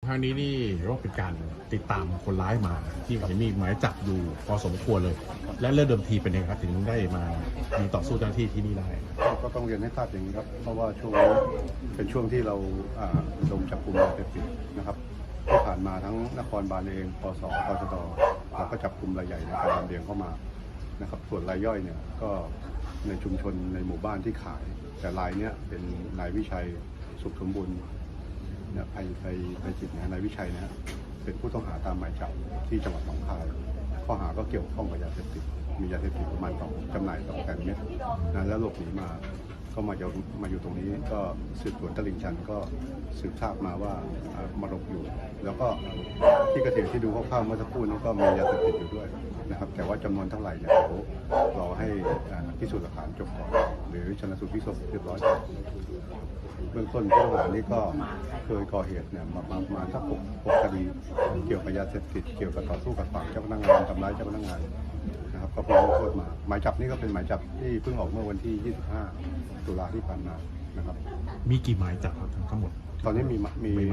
ครั้งนี้นี่เรียกว่าเป็นการติดตามคนร้ายมาที่เห็นมีหมายจับอยู่พอสมควรเลย และเรื่องเดิมทีเป็นยังไงครับถึงได้มามีต่อสู้เจ้าหน้าที่ที่นี่ได้ก็ต้องเรียนให้ทราบอย่างนี้ครับเพราะว่าช่วงนี้เป็นช่วงที่เราลงจับกลุ่มยาเสพติดนะครับที่ผ่านมาทั้งนครบาลเองปสปชดเราก็จับกลุ่มรายใหญ่ในการลำเลียงเข้ามานะครับส่วนรายย่อยเนี่ยก็ในชุมชนในหมู่บ้านที่ขายแต่รายเนี้ยเป็นนายวิชัยสุขสมบูรณ์เนี่ยภัยจิตนายวิชัยนะเป็นผู้ต้องหาตามหมายจับที่จังหวัดหนองคายข้อหาก็เกี่ยวข้องกับยาเสพติดมียาเสพติดประมาณจำหน่าย200,000 เม็ดนะแล้วหลบหนีมาก็มาอยู่ตรงนี้ก็สืบสวนตลิ่งชันก็สืบทราบมาว่ามาหลบอยู่แล้วก็ที่เกิดเหตุที่ดูคร่าวๆเมื่อสักครู่นั้นก็มียาเสพติดอยู่ด้วยนะครับแต่ว่าจำนวนเท่าไหร่เนี่ยเดี๋ยวรอให้พิสูจน์หลักฐานจบก่อนหรือชันสูตรพลิกศพเรียบร้อยเบื้องต้นผู้ต้องหานี้ก็เคยก่อเหตุเนี่ยประมาณสัก6 คดีเกี่ยวกับยาเสพติดเกี่ยวกับต่อสู้กับฝั่งเจ้าพนักงานทำร้ายเจ้าพนักงานนะครับก็เพิ่งโทษมาหมายจับนี่ก็เป็นหมายจับที่เพิ่งออกเมื่อวันที่25 ตุลาที่ผ่านมานะครับมีกี่หมายจับทั้งหมดตอนนี้มี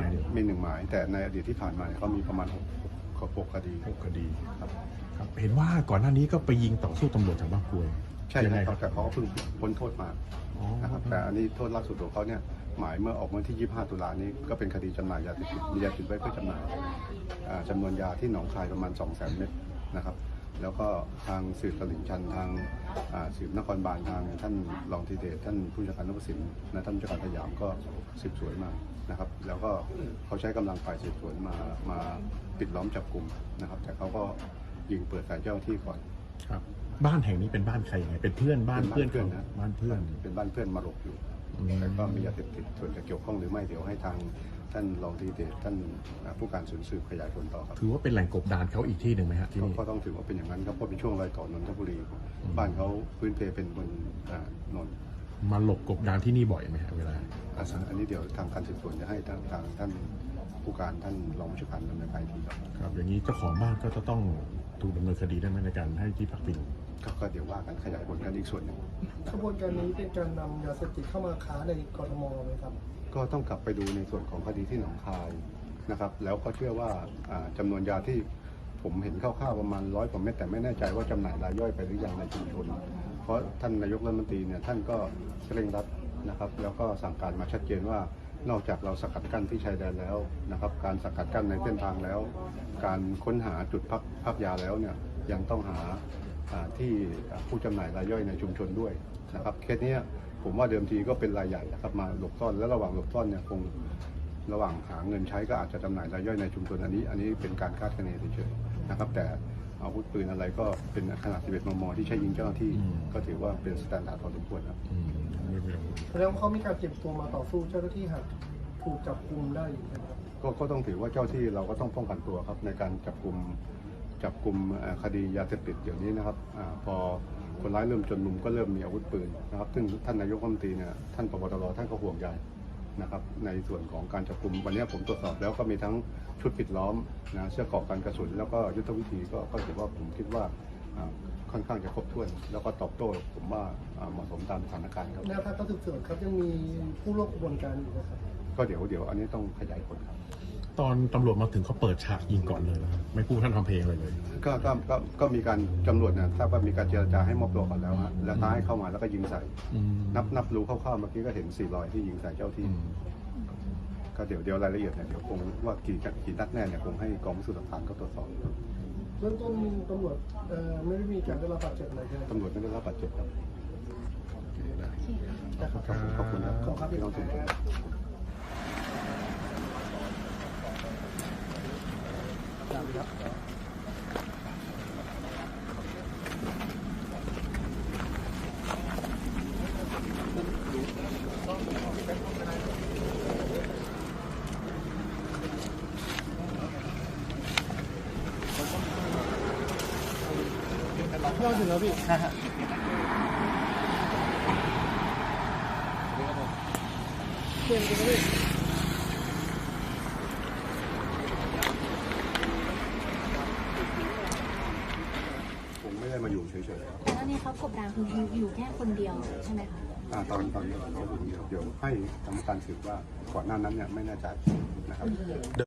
1 หมายแต่ในอดีตที่ผ่านมาเขามีประมาณ6 คดี 6 คดีครับเห็นว่าก่อนหน้านี้ก็ไปยิงต่อสู้ตำรวจจากบ้านกรวยใช่ครับแต่เขาเพิ่งพ้นโทษมานะครับแต่อันนี้โทษล่าสุดของเขาเนี่ยหมายเมื่อออกวันที่25 ตุลานี้ก็เป็นคดีจำหน่ายยาเสพติดมียาติดไว้เพื่อจำหน่ายจำนวนยาที่หนองคายประมาณ200,000 เม็ดนะครับแล้วก็ทางสืบตลิ่งชันทางสืบนครบาลทางท่านรองธีเดชท่านผู้จัดการนพสินและท่านผู้จัดการสยามก็สืบสวนมานะครับแล้วก็เขาใช้กำลังฝ่ายสืบสวนมาปิดล้อมจับกลุ่มนะครับแต่เขาก็ยิงเปิดใส่เจ้าหน้าที่ก่อนครับบ้านแห่งนี้เป็นบ้านใครยังไงเป็นเพื่อนบ้านเพื่อนนะบ้านเพื่อนเป็นบ้านเพื่อนมาหลบอยู่แต่ก็มียาเสพติดส่วนจะเกี่ยวข้องหรือไม่เดี๋ยวให้ทางท่านรองธีเดชท่านผู้การสืบขยายผลต่อครับถือว่าเป็นแหล่งกบดานเขาอีกที่หนึ่งไหมฮะที่นี่ก็ต้องถือว่าเป็นอย่างนั้นครับเพราะเป็นช่วงรอยต่อนนทบุรีบ้านเขาพื้นเพเป็นบนนนท์มาหลบกบดานที่นี่บ่อยไหมฮะเวลาอันนี้เดี๋ยวทางการสืบสวนจะให้ทางท่านผู้การท่านรองผู้จัดการดำเนินการทีครับอย่างนี้เจ้าของบ้านก็จะต้องถูกดำเนินคดีได้ไหมในการให้ที่พักพิงก็เดี๋ยวว่ากันขยายผลกันอีกส่วนหนึ่งขบวนการนี้เป็นการนำยาเสพติดเข้ามาค้าในกทมไหมครับก็ต้องกลับไปดูในส่วนของคดีที่หนองคายนะครับแล้วก็เชื่อว่าจำนวนยาที่ผมเห็นคร่าวๆประมาณ100 กว่าเม็ดแต่ไม่แน่ใจว่าจำหน่ายรายย่อยไปหรือยังในชุมชนเพราะท่านนายกรัฐมนตรีเนี่ยท่านก็เร่งรัดนะครับแล้วก็สั่งการมาชัดเจนว่านอกจากเราสกัดกั้นที่ชายแดนแล้วนะครับการสกัดกั้นในเส้นทางแล้วการค้นหาจุดพักยาแล้วเนี่ยยังต้องหาที่ผู้จำหน่ายรายย่อยในชุมชนด้วยนะครับเคสนี้ผมว่าเดิมทีก็เป็นรายใหญ่นะครับมาหลบซ่อนและระหว่างหลบซ่อนเนี่ยคงระหว่างหาเงินใช้ก็อาจจะจำหน่ายรายย่อยในชุมชนอันนี้เป็นการคาดคะเนเฉยๆนะครับแต่อาวุธปืนอะไรก็เป็นขนาด11 มม.ที่ใช้ยิงเจ้าหน้าที่ก็ถือว่าเป็นสแตนดาร์ดพอสมควรครับแล้วเขามีการเก็บตัวมาต่อสู้เจ้าหน้าที่หากถูกจับกุมได้อยู่ครับก็ต้องถือว่าเจ้าที่เราก็ต้องป้องกันตัวครับในการจับกลุ่มคดียาเสพติดอย่างนี้นะครับพอคนร้ายเริ่มจนมุมก็เริ่มมีอาวุธปืนนะครับซึ่งท่านนายกรัฐมนตรีเนี่ยท่านผบ.ตร.ท่านก็ห่วงใยนะครับในส่วนของการจับกลุ่มวันนี้ผมตรวจสอบแล้วก็มีทั้งชุดปิดล้อมนะเสื้อเกราะกันกระสุนแล้วก็ยุทธวิธีก็ถือว่าผมคิดว่าค่อนข้างจะครบถ้วนแล้วก็ตอบโต้ผมว่าเหมาะสมตามสถานการณ์ครับแนวทางการสืบสวนครับยังมีผู้ร่วมกระบวนการอยู่นะครับก็เดี๋ยวอันนี้ต้องขยายผลครับตอนตำรวจมาถึงเขาเปิดฉากยิงก่อนเลยนะครับไม่พูดท่านทำเพลงเลยก็มีการตำรวจเนี่ยทราบว่ามีการเจรจาให้มอบตัวก่อนแล้วฮะแล้วท้ายเข้ามาแล้วก็ยิงใส่นับรู้คร่าวๆเมื่อกี้ก็เห็น4 รอยที่ยิงใส่เจ้าที่ก็เดี๋ยวรายละเอียดเนี่ยเดี๋ยวคงว่ากี่นัดแน่เนี่ยคงให้กองพิสูจน์หลักฐานเขาตรวจสอบเบื้องต้นตำรวจไม่ได้มีการได้รับบาดเจ็บอะไรใช่ไหมตำรวจไม่ได้รับบาดเจ็บครับขอบคุณครับพี่น้องทุกท่านเราถึงแล้วพี่เพื่อนกันเลยผมไม่ได้มาอยู่เฉยๆแล้วนี่เขากบดานคืออยู่แค่คนเดียวใช่ไหมคะตอนนี้เขาอยู่เดียวให้ทำการสืบว่าก่อนหน้านั้นเนี่ยไม่แน่ใจนะครับ